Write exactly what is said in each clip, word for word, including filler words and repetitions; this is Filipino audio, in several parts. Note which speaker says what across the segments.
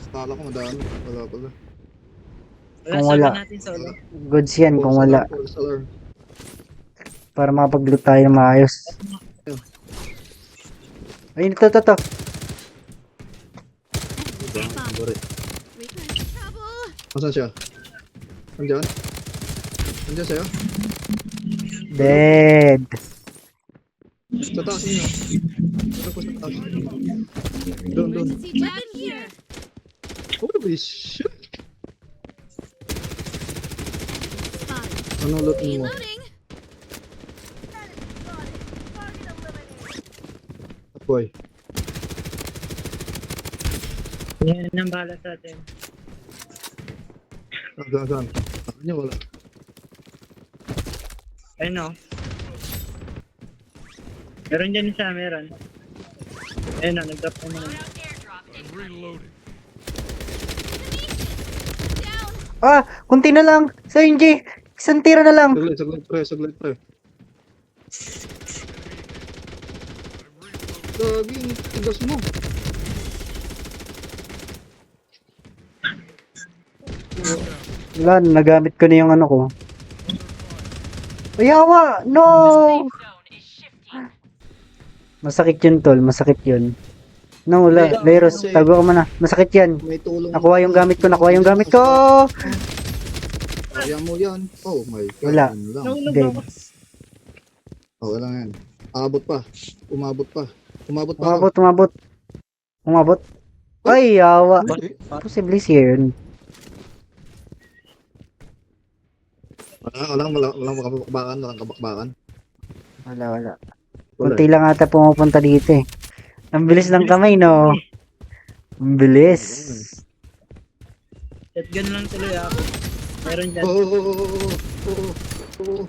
Speaker 1: Kala ko madami. Wala pala.
Speaker 2: Wala,
Speaker 3: Kung
Speaker 2: solo
Speaker 3: wala.
Speaker 2: natin solo.
Speaker 3: Goods yan kung
Speaker 1: False
Speaker 3: wala.
Speaker 1: alarm, false alarm.
Speaker 3: Para makapag-loot tayo ng maayos. Ayun, ito, ito, ito.
Speaker 1: Bari. Asan siya? Andiyan? Andiyan siya?
Speaker 3: Dead.
Speaker 1: Sa taas niyo. Ito po sa taas. Doon, doon. Holy shit! Ano loot mo? Boy.
Speaker 2: Yan ang bala sa atin.
Speaker 1: Saan, saan? Saan niya wala?
Speaker 2: Ayun o. Meron dyan isa, meron. Ayun o, nag-drop na naman.
Speaker 3: Ah, kunti na lang. Sa N G. Isang tira na lang.
Speaker 1: Saglit, saglit pre, saglit pre. Gaging, tigas mo.
Speaker 3: Wala, nagamit ko na yung ano ko. Ayawa! No! Masakit yun, tol. Masakit yun. No, wala. Leros, tago ka muna. Masakit yan.
Speaker 1: May tulong.
Speaker 3: Nakuha yung gamit ko. Nakuha yung gamit ko!
Speaker 1: Kaya mo yan. Oh my god.
Speaker 3: Wala.
Speaker 1: Yan lang.
Speaker 2: Nahulog
Speaker 3: Dead.
Speaker 2: ako.
Speaker 1: Oh, wala yan. Abot pa. Umabot pa. Umabot pa.
Speaker 3: Umabot, umabot. Umabot. Ay, yawa.
Speaker 1: Bakit?
Speaker 3: Posible siya yun.
Speaker 1: Wala, wala, wala, walang kabakbakan, walang kabakbakan.
Speaker 3: Wala, wala.
Speaker 1: Wala.
Speaker 3: Kunti lang ata pumupunta dito eh. Ang bilis ng kamay, no? Ang bilis.
Speaker 2: Shotgun lang tuloy ako. Meron dyan.
Speaker 1: Oo, oo, oo, oo, oo, oo.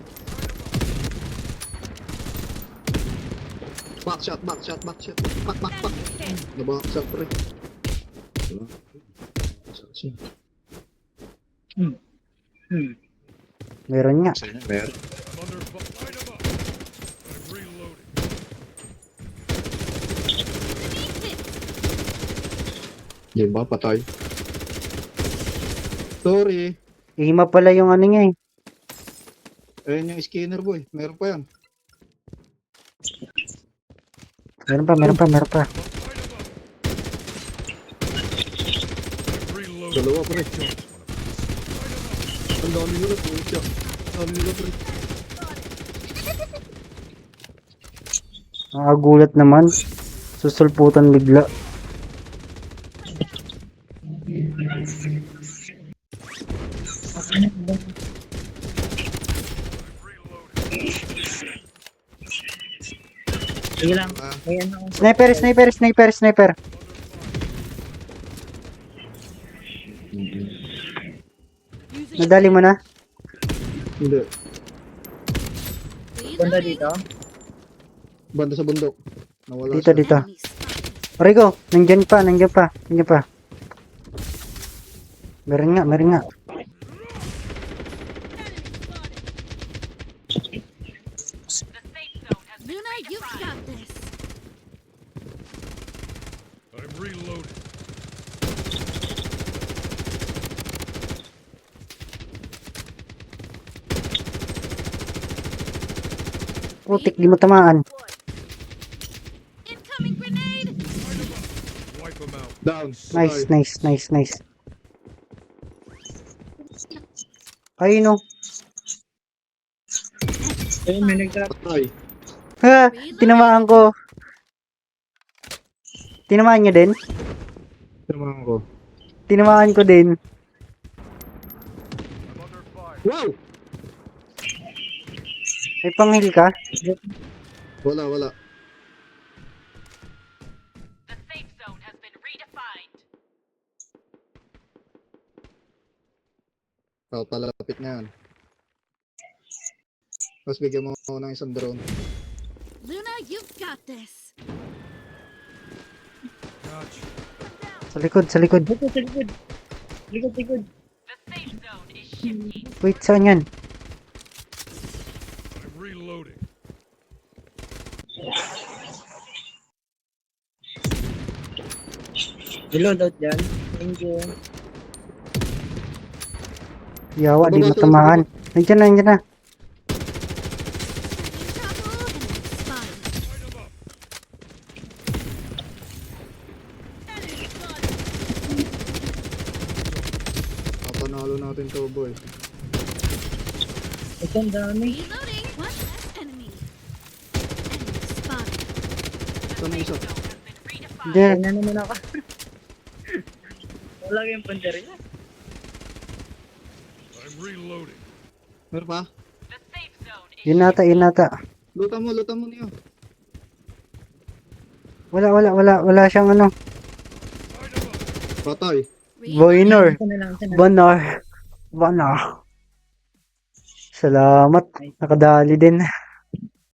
Speaker 1: Back shot, back shot, back shot. Back, back, back. Naback shot, pre. Wala. Assassin.
Speaker 2: Hmm. Hmm.
Speaker 3: Meron nga.
Speaker 1: Meron. Di ba, patay? Sorry.
Speaker 3: Ihima pala yung ano niya eh.
Speaker 1: Ayun yung scanner, boy. Meron pa yan.
Speaker 3: Meron pa, meron pa, meron pa.
Speaker 1: Dalawa, pre. Ang dami nila, po. Ang dami nila, pre.
Speaker 3: Nakagulat naman. Susulputan bigla.
Speaker 2: Sige lang.
Speaker 1: Ah.
Speaker 2: Ayan ako.
Speaker 3: Sniper, sniper, sniper, sniper. Nadali mo na?
Speaker 1: Hindi.
Speaker 2: Banda dito.
Speaker 1: Banda sa bundok. Nawala
Speaker 3: Dito,
Speaker 1: siya.
Speaker 3: dito. Rico, nandyan pa, nandyan pa, nandyan pa. Meron nga, meron nga.
Speaker 4: Luna, you've got this.
Speaker 5: I'm reloading.
Speaker 3: Putik, di mo tamaan.
Speaker 4: Incoming grenade.
Speaker 5: Wipe them out.
Speaker 1: Down.
Speaker 3: Nice,
Speaker 1: Patay.
Speaker 3: nice, nice, nice. Ayun o.
Speaker 2: Ayun, may nag-drop.
Speaker 1: Patay.
Speaker 3: Ha! Tinamaan ko. Tinamaan niyo din?
Speaker 1: Tinamaan ko.
Speaker 3: Tinamaan ko din.
Speaker 5: I'm under fire.
Speaker 1: Wow!
Speaker 3: May panghil ka?
Speaker 1: Wala, wala.
Speaker 4: The safe zone has been redefined.
Speaker 1: Oh, palapit na yan. Tapos bigyan mo ako ng isang drone.
Speaker 4: Luna, you've got this.
Speaker 5: Gotcha.
Speaker 3: Sa likod, sa likod.
Speaker 2: Dito, sa likod. Likod, likod.
Speaker 4: The safe zone is shifting.
Speaker 3: Wait, saan yan?
Speaker 5: I'm reloading.
Speaker 2: Reload out dyan. Thank you.
Speaker 3: Yawa, di
Speaker 1: Baba,
Speaker 3: matamaan. Nandiyan na, nandiyan na.
Speaker 4: Trouble and expired.
Speaker 1: Papanalo natin to, boy.
Speaker 2: Ito ang dami.
Speaker 4: Reloading. One less enemy. Enemy spotted.
Speaker 1: Ito na isa.
Speaker 4: Zone has been redefined.
Speaker 3: Nandiyan.
Speaker 2: Kaya na naman ako. Wala kayong punteriya.
Speaker 5: I'm reloading.
Speaker 1: Meron pa?
Speaker 4: The safe zone is
Speaker 3: Yun nata, yun nata.
Speaker 1: Luta mo, luta mo niyo.
Speaker 3: Wala, wala, wala. Wala siyang ano.
Speaker 1: Patay.
Speaker 3: Boiner.
Speaker 2: Ito na lang. Ito na lang.
Speaker 3: Bonar. Bonar. Salamat. Nakadali din.